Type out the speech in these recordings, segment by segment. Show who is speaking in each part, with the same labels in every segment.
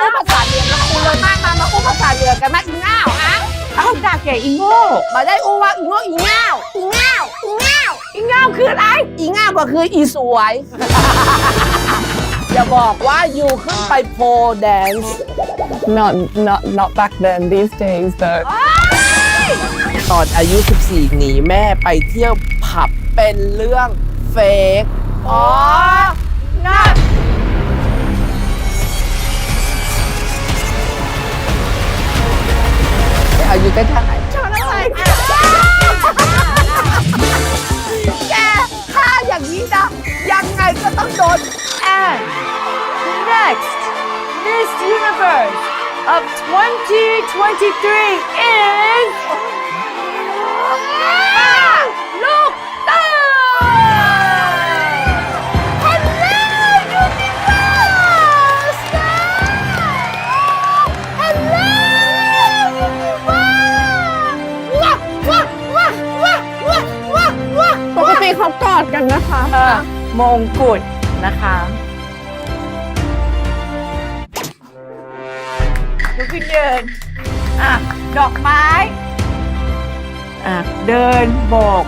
Speaker 1: อู้ภาษาเหนือกับกูเลยมาอู้ภาษาเหนือกันมาอีง่าวฮะ
Speaker 2: เอาด่าแกอีโง่
Speaker 1: มาได้อู้ว่าอีโง่อีง่าวอีง่าวอีง่าวอีง่าวคืออะไรอีง่าวก็คืออีสวย อย่าบอกว่าอยู่ขึ้นไปโพแดนซ์
Speaker 3: Not back then. These days, though.
Speaker 1: ตอนอายุ 14 หนีแม่ไปเที่ยวผับเป็นเรื่องเฟกอ๋อนั่นอายุได้เท่าไหร่ชนอะไรแกถ้าอย่างนี้นะยังไงก็ต้องโดน
Speaker 2: and next Miss Universe of 2023 is ลูกเต้า
Speaker 1: Hello Universe Hello Universe
Speaker 3: ปกติเขากอดกันนะคะ
Speaker 2: มงกุฎนะคะลุกขึ้นยืนดอกไม้เดินโบก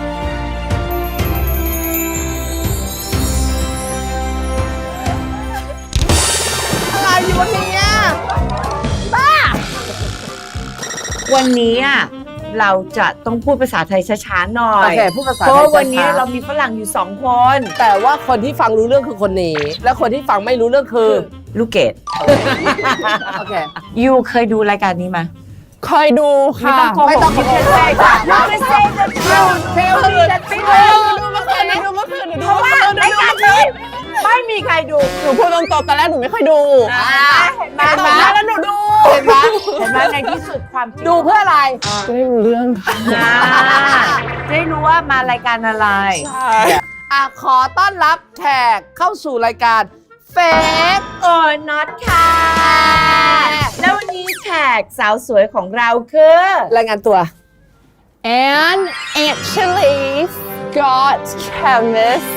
Speaker 1: อะไรอยู่วันนี้บ้า
Speaker 2: วันนี้เราจะต้องพูดภาษาไทยช้าๆหน่อ
Speaker 1: โอย เคพูดภาษา
Speaker 2: เพ
Speaker 1: ไท
Speaker 2: ราะ
Speaker 1: ย
Speaker 2: วันนี้
Speaker 1: ช้าๆ
Speaker 2: เรามีฝรั่งอยู่2 คน
Speaker 1: แต่ว่าคนที่ฟังรู้เรื่องคือคนนี้ และคนที่ฟังไม่รู้เรื่องคือ
Speaker 2: ลูกเกด
Speaker 1: โอเค
Speaker 2: ยูเคยดูรายการนี้ไหม
Speaker 3: เคยดูค่ะ
Speaker 1: ไม่ต้อง
Speaker 2: คิดเซ่จ้ะยูไม่เซ่จะเที่ยว
Speaker 1: เทลมีแต่ติ๊ก
Speaker 3: ดูเมื่อคืนดูเมื่อคืน
Speaker 2: เพราะว่ารายการนี้ไม่มีใครดู
Speaker 3: หนูพูดตรงๆตอนแรกหนูไม่ค่อยดู
Speaker 2: เห็นไหม
Speaker 3: ตอนนั้นแล้วหนูดู
Speaker 1: เห็นไหม
Speaker 2: เห็นไหมในที่สุดความจริง
Speaker 1: ดูเพื่ออะไร
Speaker 3: จะได้รู้เรื่องค่ะ
Speaker 2: จะได้รู้ว่ามารายการอะไร
Speaker 1: ขอต้อนรับแขกเข้าสู่รายการเฟก
Speaker 2: or not ค่ะ แล้ววันนี้แขกสาวสวยของเราคือ
Speaker 1: รายงานตัว
Speaker 3: and actually got chemist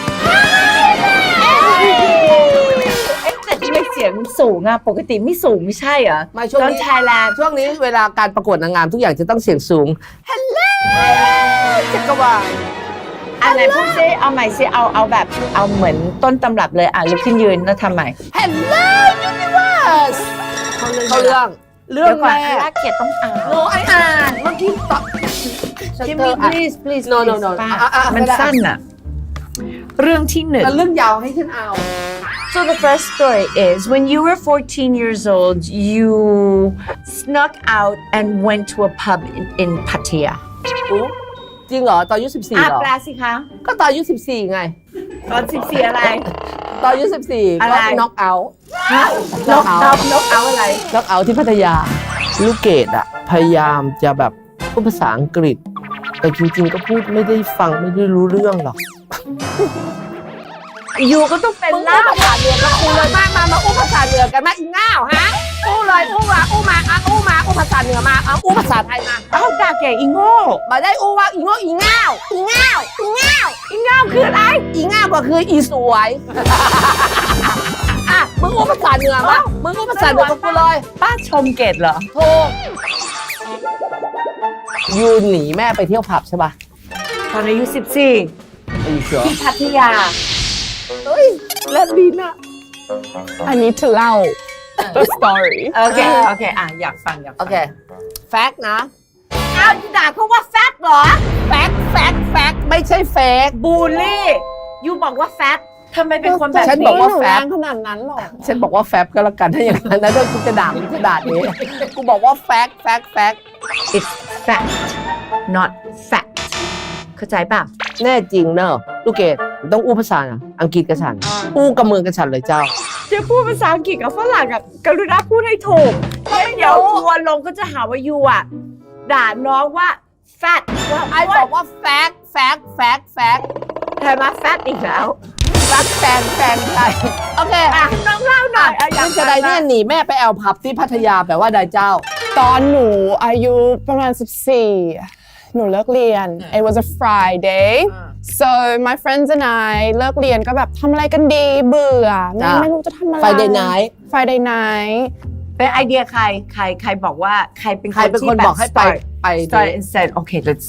Speaker 2: แต่ทำไมเสียงสูงปกติไม่สูงไม่ใช่เหรอ
Speaker 1: มาช่วง
Speaker 2: ตอน
Speaker 1: นี้
Speaker 2: ไทยแลนด์
Speaker 1: ช่วงนี้เวลาการประกวดนางงามทุกอย่างจะต้องเสียงสูง ฮัลโหลจักรวาล
Speaker 2: อะไรพูดซิเอาใหม่ซิเอาแบบเอาเหมือนต้นตำรับเลยลุกขึ้นยืนแล้วทำใหม่
Speaker 1: ฮัลโหลยูนิเวิร์สเขาเรื่องเรื่อง
Speaker 2: เดี๋ยวก่อน
Speaker 1: แรก
Speaker 2: ลากเกียรติต้องอ่าน
Speaker 1: โนไออ่านเมื่อกี้ตอบ
Speaker 2: Give me please
Speaker 1: No, no,
Speaker 2: please
Speaker 1: no.
Speaker 2: ป้า
Speaker 1: ไม่ได้
Speaker 2: มันสั้นเรื่องที่หนึ่ง
Speaker 1: แล้วเรื่องยาวให้ฉันเอา
Speaker 2: So the first story is when you were 14 years old, you snuck out and went to a pub in Pattaya.
Speaker 1: จริงเหรอ ตอนอายุ14เหรอ
Speaker 2: แปลสิคะ
Speaker 1: ก็ตอนอายุ14ไง
Speaker 2: ตอน14อะไร
Speaker 1: ตอนอายุ14
Speaker 2: อะไร
Speaker 1: ก็น็อกเอาท์
Speaker 2: นกเอาอะไร
Speaker 1: น็อกเอาท์ที่พัทยา ลูกเกดอะพยายามจะแบบพูดภาษาอังกฤษ แต่จริงๆก็พูดไม่ได้ฟังไม่ได้รู้เรื่องหรอก
Speaker 2: อยู่ก็ต้องเป็น
Speaker 1: มึง
Speaker 2: ล่า
Speaker 1: อู้ภาษาเหนือกับกูเลยมาอู้ภาษาเหนือกันมาอีง่าวฮะอู้เลยอู้มาอู้ภาษาเหนือมาอู้ภาษาไทยมา
Speaker 2: เอาด่าแกอีโง่
Speaker 1: มาได้อู้ว่าอีโง่อีง่าวอีง่าวอีง่าวอีง่าวคืออะไรอีง่าวก็คืออีสวย มึงอู้ภาษาเหนือมามึงอู้ภาษาเหนือกับกูเลย
Speaker 2: ป้าชมเกดเหรอ
Speaker 1: โทรยูหนีแม่ไปเที่ยวผับใช่ป่ะ
Speaker 2: ตอนอายุ14
Speaker 1: อยู่เชียว
Speaker 2: ที่พัทยา
Speaker 1: เฮ้ยแลบลิ้นอะ
Speaker 3: I need to เล่า the story
Speaker 2: โอเคอยากฟัง
Speaker 1: โอเค แฟกต์นะ
Speaker 2: เอาด่าเขาว่าแฟตเหรอ
Speaker 1: แฟกต์ไม่ใช่เฟก
Speaker 2: บูลลี่ยูบอกว่าแฟตทำไมเป็นคนแบบ
Speaker 1: ฉัน
Speaker 2: นี้
Speaker 1: บอกว่า
Speaker 3: หนู
Speaker 1: แฟ
Speaker 3: แร
Speaker 1: บ
Speaker 3: งขนาดนั้นหรอ
Speaker 1: ฉันบอกว่าแฟบก็แล้วกันถ้าอย่างนั้นนะเรื่องกูจะด่ามึงจะด่านี้กูบอกว่าแฟกต์
Speaker 2: it's fact not fact เข้าใจป่ะ
Speaker 1: แน่จริงเนอะลูกเกดต้องอู้ภาษาอังกฤษกับฉันอู้กับเมืองกับฉันเลยเจ้า
Speaker 2: จะพูดภาษาอังกฤษกับฝรั่งกรุณาพูดให้ถูกเพราะเดี๋ยวทัวร์ลงก็จะหาว่ายูด่าน้องว่า fat
Speaker 1: ไอ้บอกว่าแฟกต์
Speaker 2: ใช่ไหม fat อีกแล้ว
Speaker 1: รักแฟนใครโอเค
Speaker 2: น้องเล่าหน่อย
Speaker 1: คุณจะได้เนี่ยหนีแม่ไปแอลผับที่พัทยาแปลว่าใดเจ้า
Speaker 3: ตอนหนูอายุประมาณ14หนูเลิกเรียน It was a Friday so my friends and I เลิกเรียนก็แบบทำอะไรกันดีเบื่อไม่รู้จะทำอะไร
Speaker 1: Friday night
Speaker 3: Friday night
Speaker 2: เป็นไอเดียใครบอกว่าใครเป็น
Speaker 1: ใครเป็นคนบอกให้ไป
Speaker 2: start and said okay let's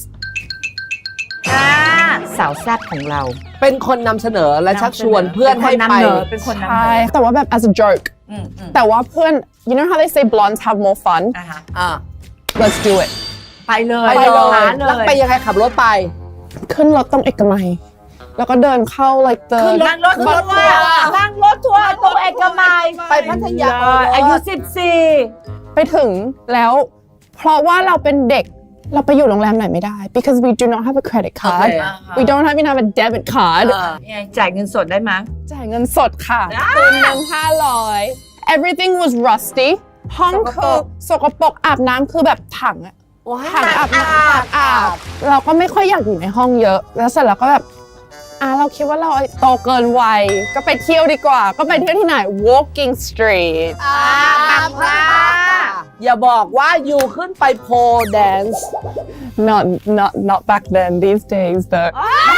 Speaker 2: สาวแซ่บของเรา
Speaker 1: เป็นคนนำเสนอและชักชวนเพื่อนให้ไป
Speaker 2: เป็นคนนำ
Speaker 3: ใช่
Speaker 2: เนอ
Speaker 3: แต่ว่าแบบ as a joke แต่ว่าเพื่อน you know how they say blondes have more fun
Speaker 1: อ่า
Speaker 3: let's do it
Speaker 2: ไปเลย
Speaker 1: ไปเลย
Speaker 2: หาเล
Speaker 1: แล้ว
Speaker 2: ย
Speaker 1: ไปยังไงขับรถไป
Speaker 3: ขึ้นรถตรงเอกมัย แล้วก็เดินเข้า like the
Speaker 2: นั่งรถทัวร์นั่งรถทัวร์ตรงเอกมัย
Speaker 1: ไปพัทยา
Speaker 2: อายุ
Speaker 3: ไปถึงแล้วเพราะว่าเราเป็นเด็กเราไปอยู่โรงแรมไหนไม่ได้ because we do not have a credit card we don't even have a debit card
Speaker 2: 14จ่ายเงินสดได้ไหม
Speaker 3: จ่ายเงินสดค่ะคืนนึง500 everything was rusty ห้องคือสกปรกอาบน้ำคือแบบถังอะถังอาบน้ำอาบเราก็ไม่ค่อยอยากอยู่ในห้องเยอะ แล้วเสร็จแล้วก็แบบเราคิดว่าเราโตเกินวัยก็ไปเที่ยวดีกว่า ก็ไปเที่ยวที่ไหน walking street
Speaker 1: บางพระอย่าบอกว่าอยู่ขึ้นไปโพแดนซ์
Speaker 3: not back then these days though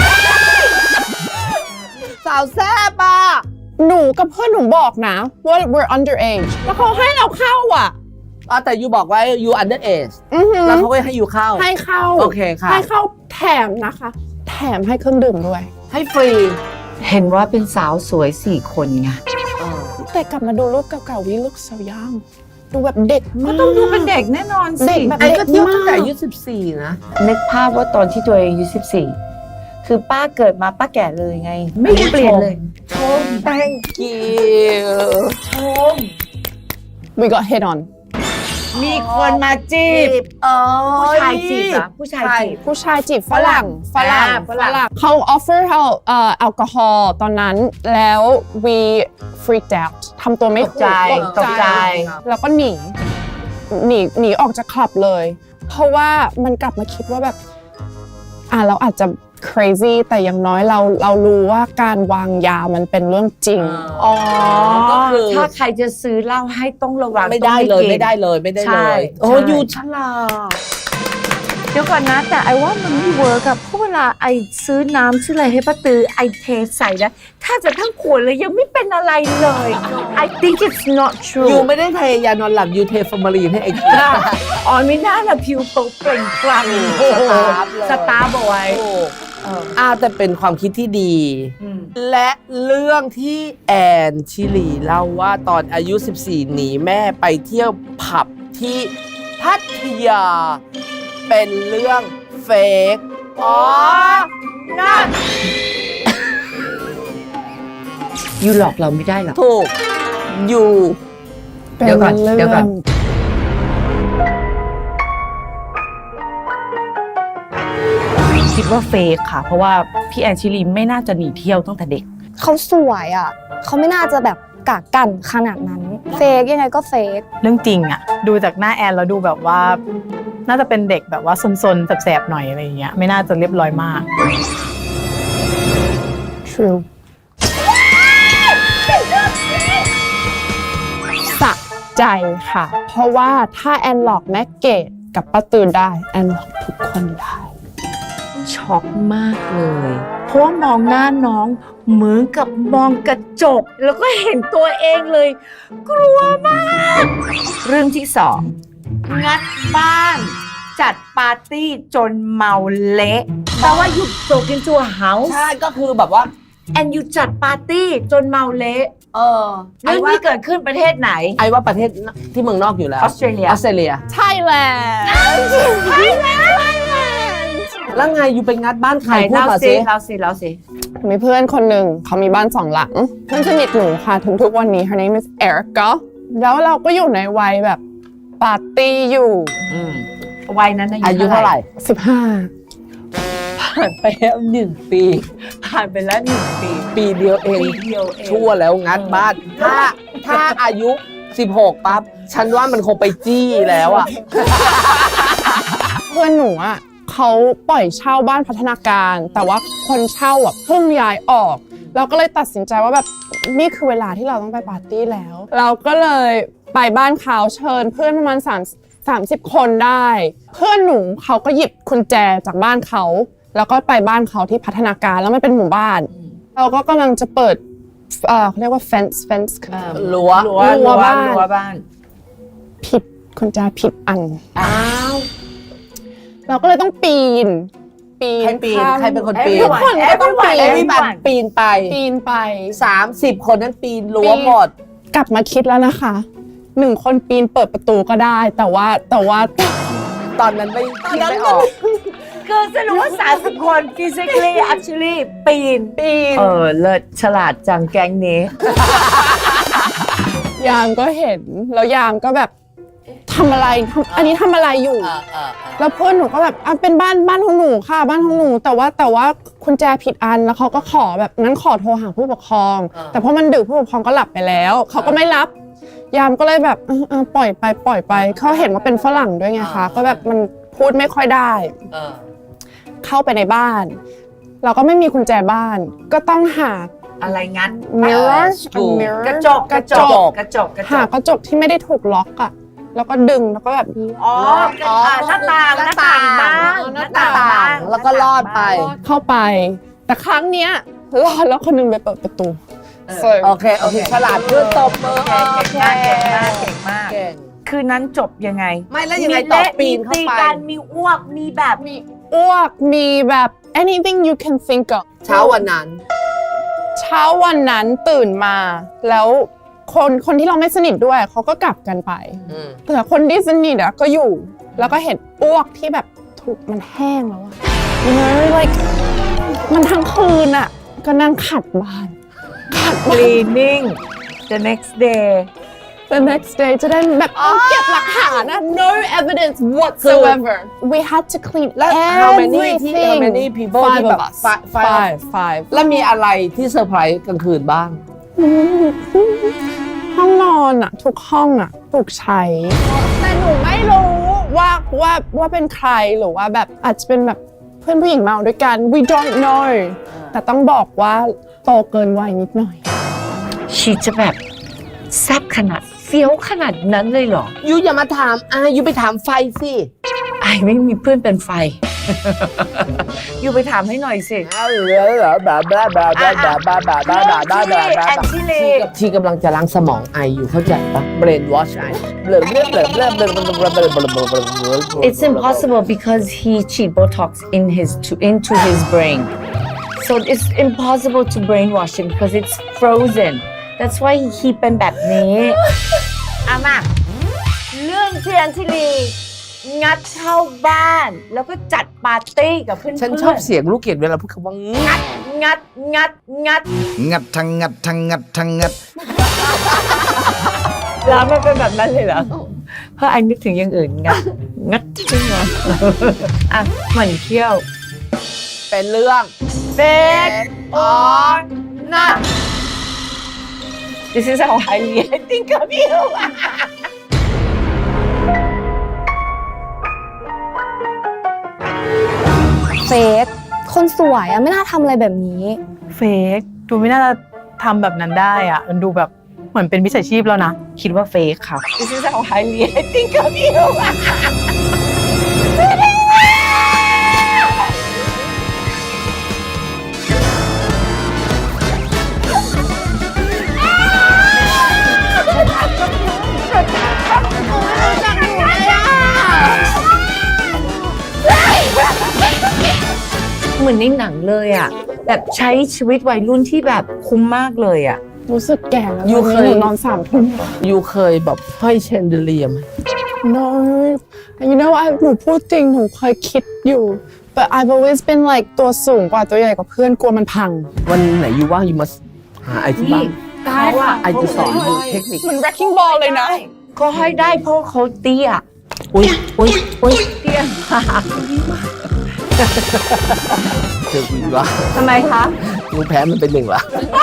Speaker 1: สาวแซ่บอ่ะ
Speaker 3: หนูกับเพื่อนหนูบอกนะว่า we're underage แล้วเขาให้เราเข้าอ่ะ
Speaker 1: แต่อยู่บอกว่าอยู่ under age แล้วเขาก็ให้อยู่เข้า
Speaker 3: ให้เข้า
Speaker 1: โอเคค่ะ
Speaker 3: ให้เข้าแถมนะคะ แถมให้เครื่องดื่มด้วย
Speaker 1: ให้ฟรี
Speaker 2: เห็นว่าเป็นสาวสวย4 คนไง
Speaker 3: แต่กลับมาดูรูปเก่าๆ we look so young ดูแบบเด็กมาก
Speaker 2: ต้องดูเป็นเด็กแน่นอนสิ
Speaker 3: เด็กแบบ
Speaker 1: ไอ้ก็เที่ยวตั้งแต่อายุ14 นะ
Speaker 2: นึกภาพว่าตอนที่ตัวเองอายุ14 คือป้าเกิดมาป้าแก่เลยไง ไม่เปลี่ยนเลย
Speaker 1: ชม thank you
Speaker 3: we got hit on
Speaker 2: มีคนมาจีบ ผู้ชายจีบเหรอผู้ชายจีบ
Speaker 3: ผู้ชายจีบฝรั่งเขา offer เราแอลกอฮอล์ตอนนั้นแล้ว we freaked out ทำตัวไม่ถูก
Speaker 2: ตกใจ
Speaker 3: แล้วก็หนีออกจากคลับเลย เพราะว่ามันกลับมาคิดว่าแบบเราอาจจะ crazy แต่อย่างน้อยเรารู้ว่าการวางยามันเป็นเรื่องจริง
Speaker 1: ก็คือ
Speaker 2: ถ้าใครจะซื้อเหล้าให้ต้องระวัง
Speaker 1: ไม่ได้เลย
Speaker 2: ต้อง
Speaker 1: ไม่ได้เลยไม่ได้
Speaker 2: ใช่
Speaker 1: เลยโอ้
Speaker 2: ใช่
Speaker 1: อยู่ฉลาด
Speaker 2: เดี๋ยวก่อนนะ แต่ไอว่ามันไม่เวิร์กอะเพราะเวลาไอซื้อน้ำซื้ออะไรให้ป้าตือไอเทใส่แล้วถ้าจะทั้งขวดเลยยังไม่เป็นอะไรเลย I think it's not
Speaker 1: อ
Speaker 2: true
Speaker 1: ยู่ไม่ได้เทยานอนหลับอยู่เทฟอร์มาลีนให้ไอ้กิน
Speaker 2: อ๋อไม่น่าละผิวเขาเปล่งปลั่ง สตาร์บเอาไว้
Speaker 1: แต่เป็นความคิดที่ดี และเรื่องที่แอนชิลีเล่าว่าตอนอายุ 14 หนีแม่ไปเที่ยวผับที่พัทยา เป็นเรื่องเฟกนั่น
Speaker 2: อยู่หลอกเราไม่ได้หรอก
Speaker 1: ถูกอยู่
Speaker 2: เดี๋ยวก่อน คิดว่าเฟกค่ะ เพราะว่าพี่แอนชิลีไม่น่าจะหนีเที่ยวตั้งแต่เด็ก
Speaker 4: เขาสวยอ่ะ เขาไม่น่าจะแบบกากกันขนาดนั้น เฟกยังไงก็เฟก
Speaker 5: เรื่องจริงอะดูจากหน้าแอนแล้วดูแบบว่า น่าจะเป็นเด็กแบบว่าซนๆแสบๆหน่อยอะไรอย่างเงี้ยไม่น่าจะเรียบร้อยมาก
Speaker 3: true สะใจค่ะ เพราะว่าถ้าแอนหลอกแม่เกดกับป้าตือได้แอนหลอกทุกคนได้
Speaker 2: ช็อกมากเลย เพราะว่ามองหน้าน้องเหมือนกับมองกระจก แล้วก็เห็นตัวเองเลย กลัวมาก เรื่องที่สองงัดบ้าน จัดปาร์ตี้จนเมาเละแต่ว่าอยู่โตกินตัวเฮาส์
Speaker 1: ใช่ก็คือแบบว่า
Speaker 2: แอนอยู่จัดปาร์ตี้จนเมาเละ
Speaker 1: ไอ้
Speaker 2: เรื่อง
Speaker 1: ว่า
Speaker 2: นี้เกิดขึ้นประเทศไหน
Speaker 1: ไอ้ว่าประเทศที่เมืองนอกอยู่แล้ว
Speaker 2: ออสเตรเลีย
Speaker 3: Thailand
Speaker 1: แล้วไงอยู่ไปงัดบ้านใครพูด
Speaker 2: เล่า
Speaker 1: มา
Speaker 2: สิ
Speaker 1: สิ
Speaker 2: เล่าสิเล่าสิ
Speaker 3: มีเพื่อนคนหนึ่งเขามีบ้าน2 หลัง เพื่อนสนิทหนูค่ะถึงทุกวันนี้ her name is Erica แล้วเราก็อยู่ในวัยแบบปาร์ตี้อยู่
Speaker 2: วัยนั้น
Speaker 1: อายุเท่าไหร่
Speaker 3: 15
Speaker 1: ผ่านไปแล้ว1 ปี
Speaker 2: ผ่านไปแล้ว1 ปี
Speaker 1: ปีเดียวเอง
Speaker 2: ปีเดียวเอง
Speaker 1: ชั่วแล้วงัดบ้าน ถ้าอายุ 16 ปั๊บ ฉันว่ามันคงไปจี้แล้วอ่ะ
Speaker 3: เพื่อนหนูอ่ะเขาปล่อยเช่าบ้านพัฒนาการ แต่ว่าคนเช่าอ่ะเพิ่งย้ายออก เราก็เลยตัดสินใจว่าแบบนี่คือเวลาที่เราต้องไปปาร์ตี้แล้ว เราก็เลยไปบ้านเขาเชิญเพื่อนประมาณ30 คนได้ เพื่อนหนูเขาก็หยิบกุญแจจากบ้านเขาแล้วก็ไปบ้านเขาที่พัฒนาการแล้วมันเป็นหมู่บ้าน เราก็กำลังจะเปิดเขาเรียกว่า fence
Speaker 1: รั้ว
Speaker 3: รั้วบ้าน
Speaker 2: รั้วบ้าน
Speaker 3: คุณแจผิดอัน
Speaker 1: อ้าว
Speaker 3: เราก็เลยต้องปีน
Speaker 1: ใครปีน
Speaker 3: ข้าม
Speaker 1: ใครเป็นคนปีน
Speaker 3: ทุกคนก็ต้องปีน
Speaker 1: พี่บัตรปีนไป
Speaker 3: ปีนไป
Speaker 1: 30 คนนั้นปีนรั้วหมด
Speaker 3: กลับมาคิดแล้วนะคะ1 คนปีนเปิดประตูก็ได้ แต่ว่า
Speaker 1: ตอนนั้นไม่คิดไม่ออก
Speaker 2: คือสรุปว่า30 คน physically actually ปีน เลิศฉลาดจังแก๊งนี้
Speaker 3: ยามก็เห็นแล้วยามก็แบบทำอะไรอันนี้ทำอะไรอยู่ แล้วเพื่อนหนูก็แบบเป็นบ้านของหนูค่ะบ้านของหนูแต่ว่าคุณแจผิดอันแล้วเขาก็ขอแบบงั้นขอโทรหาผู้ปกครอง แต่เพราะมันดึกผู้ปกครองก็หลับไปแล้วเขาก็ไม่รับ ยามก็เลยแบบปล่อยไปเขาเห็นว่าเป็นฝรั่งด้วยไงคะก็แบบมันพูดไม่ค่อยได้เข้าไปในบ้าน เราก็ไม่มีกุญแจบ้านก็ต้องหา
Speaker 2: อะไรงั้น
Speaker 3: mirror
Speaker 2: กระจก
Speaker 3: หากระจกที่ไม่ได้ถูกล็อกอะแล้วก็ดึงแล้วก็แบบ
Speaker 2: อ๋อหน้าต่างบ้าน
Speaker 1: หน้าต่างแล้วก็ลอดไป
Speaker 3: เข้าไป แต่ครั้งเนี้ยรอดแล้วคนหนึงไปเปิดประตู
Speaker 1: โอเคฉลาดเพื่อนตบมือ
Speaker 2: เก่งมาก
Speaker 1: เก่ง
Speaker 2: คืนนั้นจบยังไง
Speaker 1: ไม่แล้วยังไงต่อปีนเข้าไป
Speaker 2: มีการมีอ้วกมีแบบ
Speaker 3: มีอ้วกมีแบบ anything you can think of
Speaker 1: เช้าวันนั้น
Speaker 3: เช้าวันนั้นตื่นมาแล้วคนที่เราไม่สนิทด้วยเขาก็กลับกันไปแต่คนที่สนิทอะก็อยู่แล้วก็เห็นอ้วกที่แบบถูกมันแห้งแล้วอะlike มันทั้งคืนอะก็นั่งขัดบ้าน
Speaker 2: cleaning the next day
Speaker 3: the next day จะได้แบบเก็บหลักฐานนะ no evidence whatsoever we had to clean
Speaker 1: แล้ว how many people
Speaker 3: five
Speaker 1: ที่แบบ
Speaker 3: of us five
Speaker 1: แล้วมีอะไรที่เซอร์ไพรส์กลางคืนบ้าง
Speaker 3: ห้องนอนอะทุกห้องอะถูกใช้แต่หนูไม่รู้ว่าเป็นใครหรือว่าแบบอาจจะเป็นแบบเพื่อนผู้หญิงเมาด้วยกัน we don't know แต่ต้องบอกว่าโตเกินวัยนิดหน่อย
Speaker 2: ชีจะแบบแซ่บขนาดเฟี้ยวขนาดนั้นเลยเหรอ
Speaker 1: ยูอย่ามาถามยูไปถามไฟสิ
Speaker 2: ไอ้ไม่มีเพื่อนเป็นไฟ อยู่ไปถามให้หน่อยสิ
Speaker 1: ชีกำลังจะล้างสมองไออยู่เข้าใจปะ brain wash ไอ
Speaker 2: It's impossible because he cheat Botox into his brain. So it's impossible to brainwash him because it's frozen. That's why he เป็นแบบนี้มาเรื่องที่อัญชลีงัดเข้าบ้านแล้วก็จัดปาร์ตี้กับเพื่อนๆ
Speaker 1: ฉันชอบเสียงลูกเกดเวลาพูดคำว่างัด
Speaker 2: งัด
Speaker 6: งัดทั้งงัดทั้งงัดทั้งงัด
Speaker 2: แล้วมันเป็นแบบนั้นเลยเหรอ เพราะไอ้นึกถึงอย่างอื่นงัดใช่ไหมหมั่นเขี้ยว
Speaker 1: เป็นเรื่อง
Speaker 2: Fake or not This is how highly I think of you
Speaker 4: เฟกคนสวยอะไม่น่าทำอะไรแบบนี้
Speaker 5: เฟกดูไม่น่าจะทำแบบนั้นได้อ่ะมันดูแบบเหมือนเป็นมิจฉาชีพแล้วนะ
Speaker 2: คิดว่าเฟกค่ะ This is how highly I think of you เหมือนในหนังเลยอ่ะแบบใช้ชีวิตวัยรุ่นที่แบบคุ้มมากเลยอ่ะ
Speaker 3: รู้สึกแก่แล้ว
Speaker 1: ยูเคย
Speaker 3: หนูนอน3 ทุ่ม
Speaker 1: ยูเคยแบบห้อยเชนเดเลียไหม
Speaker 3: no you know หนูพูดจริงหนูเคยคิดอยู่ but I've always been like ตัวสูงกว่าตัวใหญ่กว่าเพื่อนกลัวมันพัง
Speaker 1: วันไหนยูว่างยูมาหาไอที่บ้าน
Speaker 2: ได้ว่ะ
Speaker 1: ไอจะสอนยูเทคนิค
Speaker 3: มัน wrecking ball เลยนะ
Speaker 2: ก็ให้ได้เพราะเขาเตี้ย
Speaker 1: อุ้ย
Speaker 2: เตี้ย
Speaker 1: เจอคุณวะ
Speaker 2: ทำไมคะ
Speaker 1: ยูแพ้มันเป็น1ละ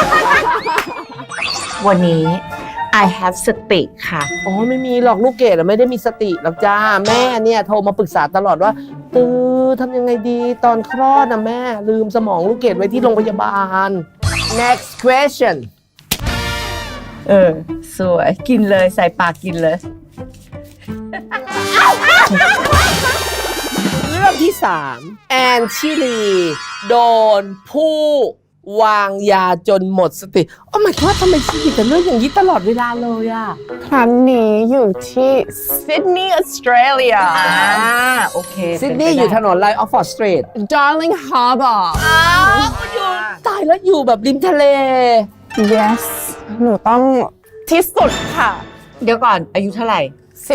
Speaker 2: วันนี้ I have สติค่ะ
Speaker 1: อ๋อไม่มีหรอกลูกเกดไม่ได้มีสติหรอกจ้าแม่เนี่ยโทรมาปรึกษาตลอดว่าทำยังไงดีตอนคลอดนะแม่ลืมสมองลูกเกดไว้ที่โรงพยาบาล next question
Speaker 2: สวยกินเลยใส่ปากกินเลย
Speaker 1: เรื่องที่ 3 แอนชิลีโดนผู้วางยาจนหมดสติโอ้ my god ทำไมชีวิตแต่เรื่องอย่างนี้ตลอดเวลาเลยอะ
Speaker 3: ครั้งนี้อยู่ที่ซิดนีย์ออสเตรเลีย
Speaker 2: โอเค
Speaker 1: ซิดนีย์อยู่ถนนไลน์ออฟฟอร์ดสตรีท
Speaker 3: Darling Harbour
Speaker 1: ตายแล้วอยู่แบบริมทะเล
Speaker 3: yes หนูต้องที่สุดค่ะ
Speaker 2: เดี๋ยวก่อนอายุเท่าไหร่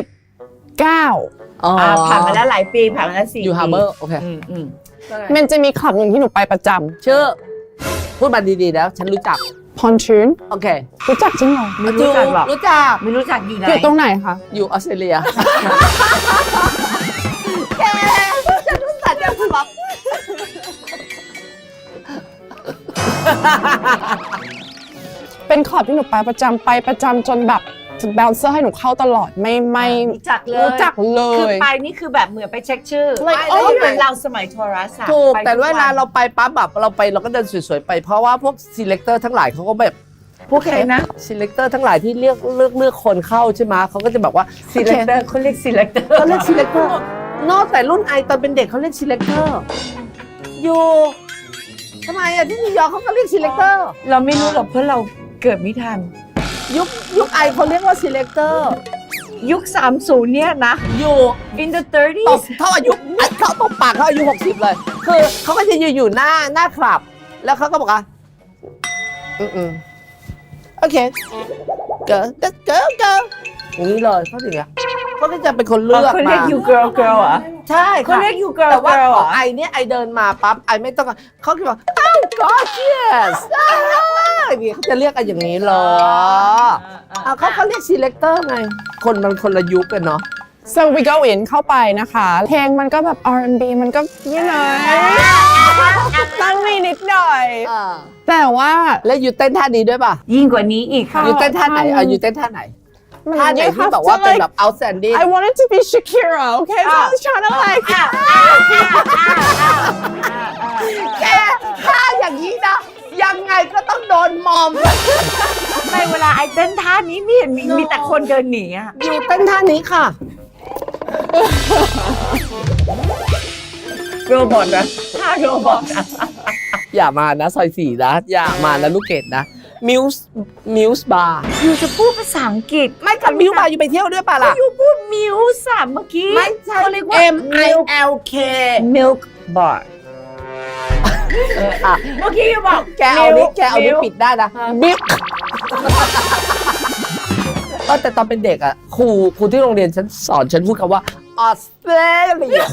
Speaker 3: 19
Speaker 2: ผ่านมาแล้วหลายปีผ่านมาแล้ว4
Speaker 1: อยู่ฮาร์เบอร์โอเค
Speaker 3: มันจะมีคลับหนึ่งที่หนูไปประจ
Speaker 1: ชื่อ พูดมาดีๆแล้ว ฉันรู้จัก
Speaker 3: ำพอนชูน
Speaker 1: โอเค
Speaker 3: รู้จักจริงเหรอ
Speaker 2: ไม่รู้จักหรอก
Speaker 1: รู้จัก
Speaker 2: ไม่รู้จักอยู่ไหน
Speaker 3: อยู่ตรงไหนคะ
Speaker 1: อยู่ออสเตรเลีย
Speaker 3: เป็นคลับที่หนูไปประจำจนแบบแบลเซอร์ให้หนูเข้าตลอดไม่
Speaker 2: รู้จักเลย
Speaker 3: รู้จักเล
Speaker 2: คือย ไปนี่คือแบบเหมือนไปเช็คชื่อ
Speaker 3: Like
Speaker 2: ไม่
Speaker 3: oh
Speaker 2: เหมือนเราสมัยโทรศัพท์
Speaker 1: ถูก
Speaker 2: ไป
Speaker 1: แต่
Speaker 2: ทุก
Speaker 1: เวลาเราไปปั๊บแบบเราก็เดินสวยๆไป เพราะว่าพวก selector ทั้งหลายเขาก็แบบ
Speaker 2: พวกใครนะ
Speaker 1: selector ทั้งหลายที่เลือกคนเข้าใช่ไหมเขาก็จะแบบว่า
Speaker 2: selector เขาเรียก selector
Speaker 1: เขาเรียก selector นอกแต่รุ่นไอตอนเป็นเด็กเขาเรียก selector อยู่ทำไมอ่ะที่นิวยอร์กเขาก็เรียก selector
Speaker 2: เราไม่รู้หรอกเพราะเราเกิดไม่ทัน
Speaker 1: ยุคไอเขาเรียกว่า selector
Speaker 2: ยุค 30 เนี่ยนะ
Speaker 1: อยู่
Speaker 2: in the
Speaker 1: ตบ
Speaker 2: 30s
Speaker 1: เท่าอายุเขาตบปากเขาอายุ60เลยคือเขาก็จะยืนอยู่หน้าคลับ แล้วเขาก็บอกว่าโอเคเกิร์อย่างนี้เลยเขาถึงอ่ะเขาก็จะเป็นคนเลือก
Speaker 2: เขา
Speaker 1: มา
Speaker 2: เรียก you girl อ่ะ
Speaker 1: ใช่
Speaker 2: เขา
Speaker 1: ค่ะ
Speaker 2: เรียก you girl
Speaker 1: แต่ว่า
Speaker 2: girl
Speaker 1: ของ
Speaker 2: อ่ะ
Speaker 1: ไอเนี่ยไอเดินมาปั๊บไอไม่ต้องเขาคิดว่าอ้าว gorgeous นี่เขาจะเรียกกันอย่างนี้เหรอเขาเรียก selector ไงคนมันคนละยุคกันเนาะ
Speaker 3: so we go in เข้าไปนะคะ เพลงมันก็แบบ R&B มันก็you know ต้องมีนิดหน่อย แต่ว่า
Speaker 1: แล้วอยู่เต้นท่านี้ด้วยป่ะ
Speaker 2: ยิ่งกว่านี้อีกค่ะ
Speaker 1: อยู่เต้นท่าไหนอยู่เต้นท่าไหนท่าไหนที่แบบว่าเป็นแบบ outstanding
Speaker 3: I wanted to be Shakira okay so I was trying to like
Speaker 1: แกท่าอย่างนี้นะยังไงก็ต้องโดนมอม
Speaker 2: ไม่เวลาไอ้เต้นท่านี้ไม่เห็นมีแต่คนเดินหนีอ่ะ
Speaker 1: อยู่เต้นท่านี้ค่ะ
Speaker 2: โรบอทนะท่าโรบอทอะ
Speaker 1: อย่ามานะซอยสี่นะอย่ามานะลูกเกดนะมิวส์บาร์
Speaker 2: อยู่จะพูดภาษาอังกฤษ
Speaker 1: ไม่กับมิวส์บาร์อยู่ไปเที่ยวด้วยป่ะล่ะ
Speaker 2: อยู่พูดมิวส์อะเมื่อกี้
Speaker 1: ไม่ใช่
Speaker 2: เขาเรียกว่า
Speaker 1: MILK
Speaker 2: milk bar
Speaker 1: อ่ะ
Speaker 2: เมื่อกี้อยู่บอก
Speaker 1: แกเอานี้ปิดได้นะบิ๊กแต่ตอนเป็นเด็กอ่ะครูที่โรงเรียนฉันสอนฉันพูดคำว่าออสเตรเลีย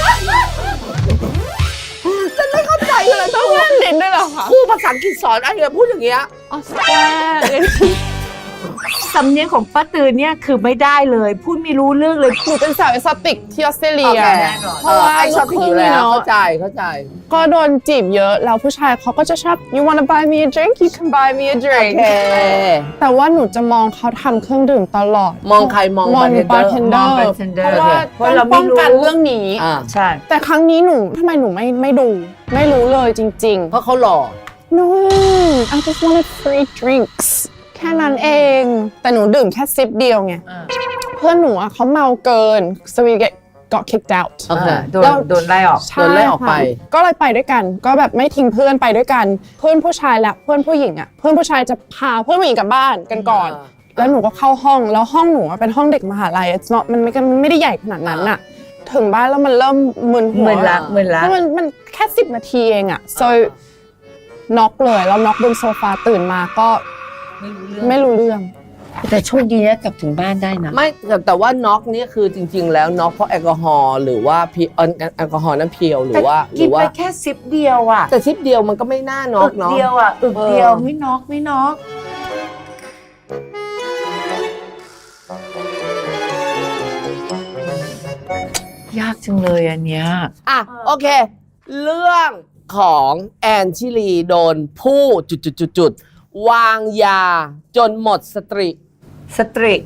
Speaker 1: ฉันไม่เข้าใจเลย
Speaker 3: ต้องเล่นลิ้นด้วยเหรอคะ
Speaker 1: ครูภาษาอังกฤษสอนไอ้เนี่ยพูดอย่างเงี้ย
Speaker 3: ออสเตรเลีย
Speaker 2: สำเนียงของป้าตือเนี่ยคือไม่ได้เลยพูดไม่รู้เรื่องเลย
Speaker 3: หนูเป็นสาวเอสติกที่ออสเตรเลีย
Speaker 1: โอเค
Speaker 3: เพราะว่า
Speaker 1: ไอ้ชอบผิดอยู่แล้วเข้าใจ
Speaker 3: ก็โดนจีบเยอะแล้วผู้ชายเขาก็จะชอบ you wanna buy me a drink you can buy me a
Speaker 1: โอ
Speaker 3: drink
Speaker 1: เค
Speaker 3: แต่ว่าหนูจะมองเขาทำเครื่องดื่มตลอด
Speaker 1: มองใครมอง
Speaker 3: มอง
Speaker 1: bartender
Speaker 3: บาร์เทนเดอ
Speaker 2: มอง
Speaker 3: ร์
Speaker 2: bartender
Speaker 3: เพราะว่า
Speaker 2: เพราะเรา
Speaker 3: ต้อง
Speaker 2: ไม่
Speaker 3: ป้อง
Speaker 2: รู้
Speaker 3: กันเรื่องนี้
Speaker 1: อ่า
Speaker 2: ใช่
Speaker 3: แต่ครั้งนี้หนูทำไมหนูไม่ดู ไม่รู้เลยจริง
Speaker 1: เพราะเขาหล่อ
Speaker 3: ๆ no I just wanted free drinks แค่นั้นเอง แต่หนูดื่มแค่ซิปเดียวไงเพื่อนหนูอะเขาเมาเกิน so we got kicked out
Speaker 1: โอเค
Speaker 2: โดนไล่ออก
Speaker 3: ใช่
Speaker 1: โดนไล่ออกไป
Speaker 3: ค่ะก็เลยไปด้วยกัน ก็แบบไม่ทิ้งเพื่อนไปด้วยกัน เพื่อนผู้ชายและเพื่อนผู้หญิงอ่ะ เพื่อนผู้ชายจะพาเพื่อนผู้หญิงกลับบ้านกันก่อน แล้วหนูก็เข้าห้อง แล้วห้องหนูอะเป็นห้องเด็กมหาลัย it's not มันไม่ได้ใหญ่ขนาดนั้นอ่ะ ถึงบ้านแล้วมันเริ่มมึนหัว
Speaker 2: มึนละ
Speaker 3: เพราะมันแค่10 นาทีเองอ่ะ so น็อกเลยแล้วน็อกบนโซฟาตื่นมาก็ไม่รู้เรื่อง
Speaker 2: แต่โชคดีนะกลับถึงบ้านได้นะ
Speaker 1: ไม่แต่ว่าน็อกนี่คือจริง ๆ แล้วน็อกเพราะแอลกอฮอล์หรือว่าแอลกอฮอล์นั้นเพียวหรือว่า
Speaker 2: กินไปแค่ซิปเดียวอ่ะ
Speaker 1: แต่ซิปเดียวมันก็ไม่น่าน็อกเนาะ
Speaker 2: เดียวอ่ะอึกเดียวไม่น็อกยากจังเลยอันเนี้ย
Speaker 1: อ่ะโอเค เรื่องของแอนชิลีโดนผู้จุดวางยาจนหมดสตรี
Speaker 2: สตรี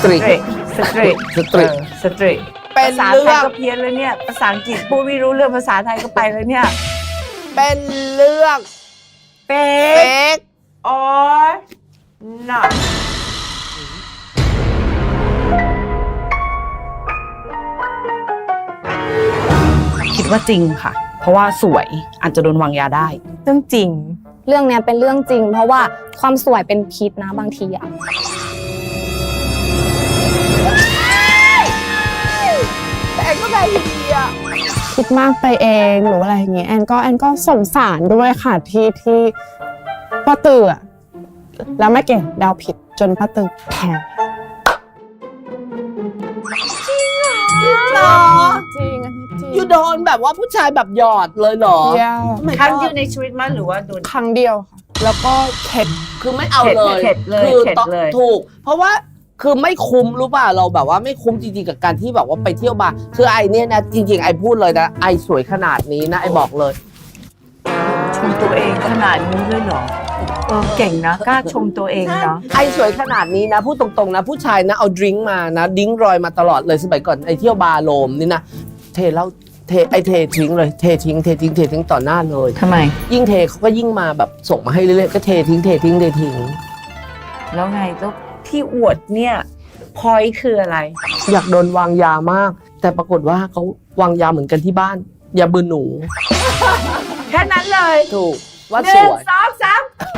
Speaker 1: เป็น
Speaker 2: ภาษา
Speaker 1: เรื่
Speaker 2: ไท
Speaker 1: อย ง
Speaker 2: ก็เพี้ยนแล้วเนี่ยภาษาอังกฤษพูดไม่รู้เรื่องภาษาไทยก็ไปแล้วเนี่ย
Speaker 1: เป็นเรื่อง
Speaker 2: เป๊
Speaker 1: เฟ
Speaker 2: ก
Speaker 1: ก
Speaker 2: or not
Speaker 7: คิดว่าจริงค่ะ เพราะว่าสวยอาจจะโดนวางยาได้
Speaker 5: เรื่องจริง
Speaker 4: เรื่องเนี้ยเป็นเรื่องจริง เพราะว่าความสวยเป็นพิษนะบางทีอะ
Speaker 1: แต่แอนก็ได้อยู่ดีอะ
Speaker 3: คิดมากไปเองหรืออะไรอย่างเงี้ยแอนก็สงสารด้วยค่ะที่ป้าตืออะแล้วแม่เก่งเดาผิดจนป้าตือแพ้
Speaker 1: หรอ
Speaker 3: จริงอันนี้จริง
Speaker 1: อยู่โดนแบบว่าผู้ชายแบบหยอดเลยเหรอ
Speaker 3: เดียว
Speaker 1: ไม่
Speaker 2: ครั้งเดียวในชีวิตมั้ยหรือว่าโดน
Speaker 3: ครั้งเดียวค่ะแล้วก็เข็ด
Speaker 1: คือไม่เอาเลย
Speaker 2: เข็ดเลย
Speaker 1: คือ
Speaker 2: เข็ดเลย
Speaker 1: ถูก เพราะว่าคือไม่คุ้มรู้ป่ะเราแบบว่าไม่คุ้มจริงๆกับการที่แบบว่าไปเที่ยวบาร์คือไอเนี่ยนะจริงๆไอพูดเลยนะไอสวยขนาดนี้นะไอบอกเลย
Speaker 2: ชมตัวเองขนาดนี้เลยเหรอเก่งนะกล้าชมตัวเองเนาะ
Speaker 1: ไอสวยขนาดนี้นะพูดตรงๆนะผู้ชายนะเอาดริงก์มานะดริงก์รอยมาตลอดเลยสมัยก่อนไอเที่ยวบาร์โลมนี่นะเทแล้วเททิ้งเลยเททิ้งต่อหน้าเลย
Speaker 2: ทำไม
Speaker 1: ยิ่งเทเขาก็ยิ่งมาแบบส่งมาให้เรื่อยๆก็เททิ้ง
Speaker 2: แล้วไงแล้วที่อวดเนี่ยพอยคืออะไร
Speaker 1: อยากโดนวางยามาก แต่ปรากฏว่าเขาวางยาเหมือนกันที่บ้านยาเบื่อหนู
Speaker 2: แค่นั้นเลย
Speaker 1: ถูกว่า
Speaker 2: ห
Speaker 1: ส
Speaker 2: นึ่ง
Speaker 1: วย
Speaker 2: สองสาม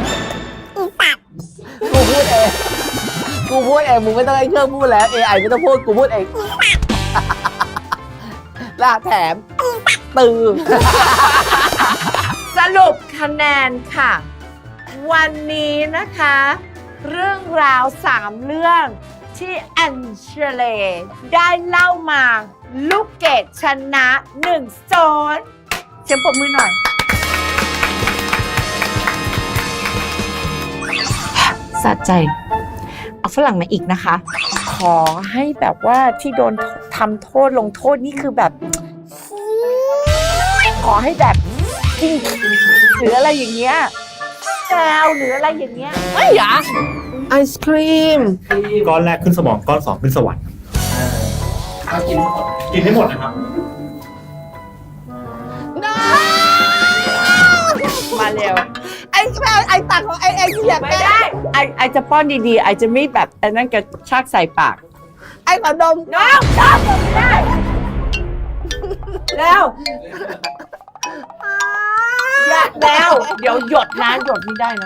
Speaker 1: กูพูดเองมึงไม่ต้องให้เครื่องพูดแล้ว AI ไม่ต้องพูดกูพูดเองล่าแถมตือ
Speaker 2: สรุปคะแนนค่ะ วันนี้นะคะ เรื่องราว3เรื่องที่แอนเชเลได้เล่ามาลูกเกดชนะ1-0เสียงปรบมือหน่อย สะใจ เอาฝรั่งมาอีกนะคะ ขอให้แบบว่าที่โดนทำโทษลงโทษนี่คือแบบ ขอให้แบบจริงหรืออะไรอย่างเงี้ยแซวหรืออะไรอย่างเงี้ย
Speaker 1: ไม่หรอไอศครีม
Speaker 7: ก้อนแรกขึ้นสมองก้อนสองขึ้นสวรรค์กินให้หมดนะครับ
Speaker 2: มาเร็ว
Speaker 1: ไอตักของไอที่อยาก
Speaker 2: ไม่ได้ไอจะป้อนดีๆไอจะไม่แบบอันนั้นกระชากใส่ปาก
Speaker 1: ไอขอดม
Speaker 2: น้องชอบไม่ได้แล้วอยากแล้วเดี๋ยวหยดนะหยดไม่ได้นะ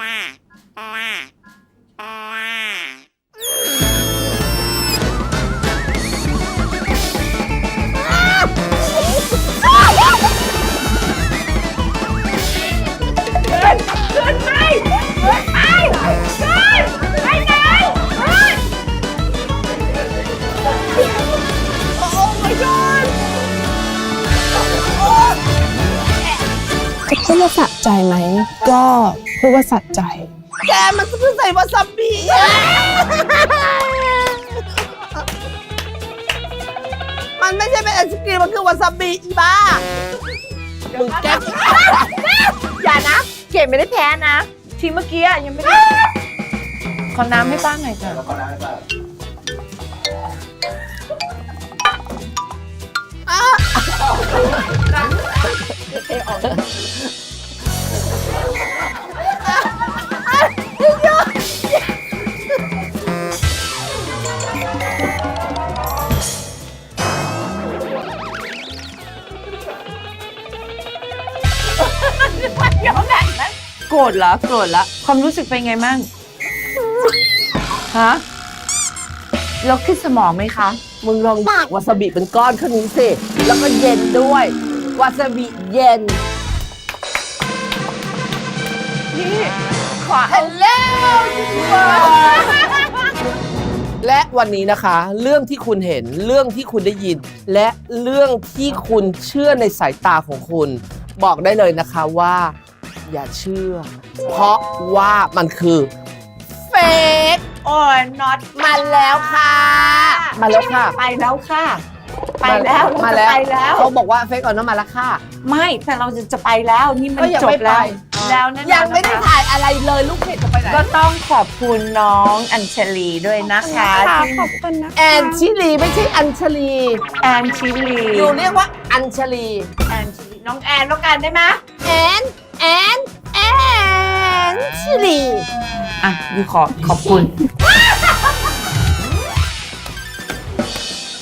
Speaker 3: จะพูดว่าสะใจไหมก็พูดว่าสะใจ
Speaker 1: แกมันเพิ่งใส่วาซาบิมันไม่ใช่เป็นไอศครีมมันคือวาซาบิอีบ้ามึงแก
Speaker 2: อย่านะ เก๋ไม่ได้แพ้นะ ทีเมื่อกี้ยังไม่ได้ ขอน้ำให้ป้าหน่อยจ้ะยอมแบบนั้นโกรธเหรอโกรธละความรู้สึกเป็นไงมั่งฮะแล้วขึ้นสมองไหมคะ
Speaker 1: มึงลองวาซาบิเป็นก้อนขึ้นนี้สิ แล้วก็เย็นด้วย วาซาบิเย็น
Speaker 2: พี่ขอ
Speaker 1: ฮัลโหลและวันนี้นะคะ เรื่องที่คุณเห็นเรื่องที่คุณได้ยิน และเรื่องที่คุณเชื่อในสายตาของคุณ บอกได้เลยนะคะว่า อย่าเชื่อ เพราะว่ามันคือเฟก
Speaker 2: โอ้ยน็อต
Speaker 1: มาแล้วค่ะ มาแล้วค่ะ
Speaker 2: ไปแล้วค่ะ ไปแล้ว
Speaker 1: มา
Speaker 2: เราจะ
Speaker 1: แล้ว
Speaker 2: ไปแล้ว
Speaker 1: เขาบอกว่าเฟกออนมาแล้วค่ะ
Speaker 2: ไม่แต่เราจะไปแล้วนี่มัน
Speaker 1: ก็ยัง
Speaker 2: จ
Speaker 1: ไม่
Speaker 2: บแล้ว
Speaker 1: ไป
Speaker 2: แล้วนั่น
Speaker 1: ยังไม่ได้ถ่ายอะไรเลยลูกเพจจะไปไหน
Speaker 2: ก็ต้องขอบคุณน้องอัญชลีด้วยนะคะที่
Speaker 3: ขอบคุณนะคะ
Speaker 1: แอนชิลีไม่ใช่อัญชลี
Speaker 2: แอนชิลี
Speaker 1: อยู่เรียกว่าอัญชลี
Speaker 2: แอนชิลีน้องแอนแล้วกันได้ไหม
Speaker 1: แอนชิลี
Speaker 2: อ่ะยูขอบคุณ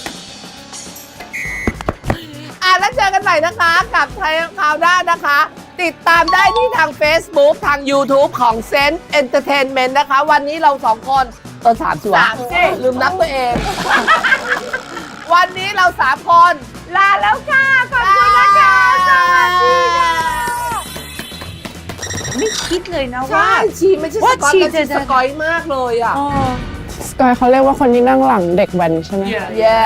Speaker 1: แล้วเจอกันใหม่นะคะ กับไทยคราวหน้านะคะติดตามได้ที่ทาง Facebook ทาง YouTube ของ Sense Entertainment นะคะ วันนี้เราสองคนสามสิวะลืมนับตัวเอง วันนี้เรา3 คนลาแล้วค่ะ ขอบคุณนะคะสวัสดีค่ะ
Speaker 2: ไม่คิดเลยนะว่า
Speaker 1: ใช่ชีไม่ใช่ส
Speaker 2: ว่าก
Speaker 1: อย
Speaker 2: ชี
Speaker 1: แต่
Speaker 2: จะ
Speaker 1: ชีสกอยมากเลยอ่ะ
Speaker 3: สกายเขาเรียกว่าคนที่นั่งหลังเด็กแว้นใช่ไหม
Speaker 1: แย่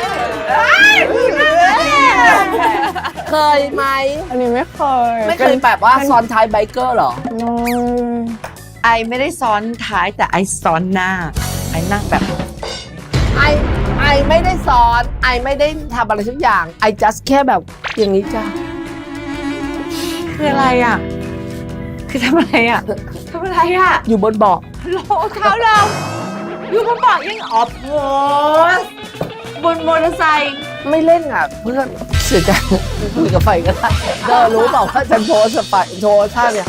Speaker 1: เคยไหม
Speaker 3: อันนี้ไม่เคย
Speaker 1: ไม่เคยแบบว่าซ้อนท้ายไบเกอร์เหรอ
Speaker 2: ไอไม่ได้ซ้อนท้ายแต่ไอซ้อนหน้า ไอนั่งแบบ
Speaker 1: ไอไม่ได้สอนไอไม่ได้ทำอะไรสักอย่างไอ just แค่แบบอย่างนี้จ้ะ
Speaker 2: คืออะไรอ่ะ คือทำอะไรอ่ะทำอะไรอ่ะ
Speaker 1: อยู่บนเบาะ
Speaker 2: โลเท้าเราอยู่บนเบาะยังออฟโพสบนมอเตอร์ไซค์
Speaker 1: ไม่เล่นอ่ะเพื่อนเสียใจคุยกับไฟก็ได้เธอรู้เปล่าว่าฉันโพสต์ไปโพสท่าเนี่ย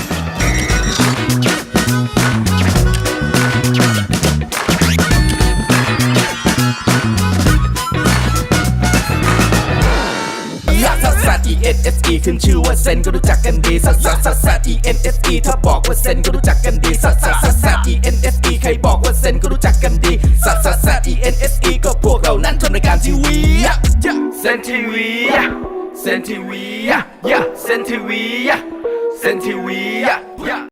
Speaker 8: ซัสซัส E N S E ขึ้นชื่อว่าเซนก็รู้จักกันดีซัสซัสซัสซัส E N S E ถ้าบอกว่าเซนก็รู้จักกันดีซัสซัสซัสซัส E N S E ใครบอกว่าเซนก็รู้จักกันดีซัสซัสซัส E N S E ก็พวกเรานั้นทำรายการทีวีเซนทีวีเซนทีวีเซนทีวีเซนทีวี